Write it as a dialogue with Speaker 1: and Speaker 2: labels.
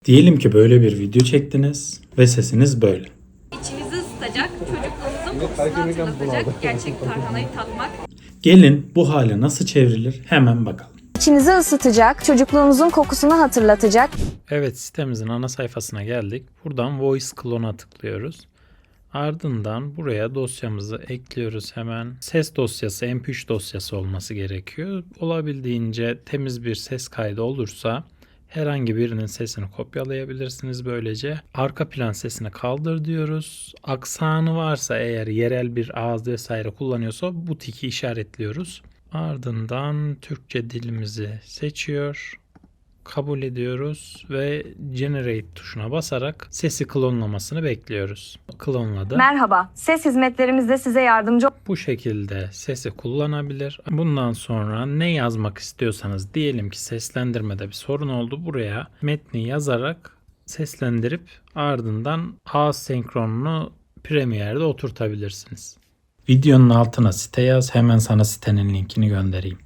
Speaker 1: Diyelim ki böyle bir video çektiniz ve sesiniz böyle.
Speaker 2: İçinizi ısıtacak, çocukluğunuzun kokusunu hatırlatacak gerçek tarhanayı tatmak.
Speaker 1: Gelin bu hale nasıl çevrilir hemen bakalım.
Speaker 3: İçinizi ısıtacak, çocukluğunuzun kokusunu hatırlatacak.
Speaker 1: Evet, sitemizin ana sayfasına geldik. Buradan Voice Clone'a tıklıyoruz. Ardından buraya dosyamızı ekliyoruz hemen. Ses dosyası, MP3 dosyası olması gerekiyor. Olabildiğince temiz bir ses kaydı olursa herhangi birinin sesini kopyalayabilirsiniz böylece. Arka plan sesini kaldır diyoruz. Aksanı varsa eğer yerel bir ağız vesaire kullanıyorsa bu tiki işaretliyoruz. Ardından Türkçe dilimizi seçiyor. Kabul ediyoruz ve Generate tuşuna basarak sesi klonlamasını bekliyoruz. Klonladı.
Speaker 3: Merhaba, ses hizmetlerimizde size yardımcı
Speaker 1: Bu şekilde sesi kullanabilir. Bundan sonra ne yazmak istiyorsanız, diyelim ki seslendirmede bir sorun oldu. Buraya metni yazarak seslendirip ardından ağız senkronunu Premiere'de oturtabilirsiniz. Videonun altına site yaz, hemen sana sitenin linkini göndereyim.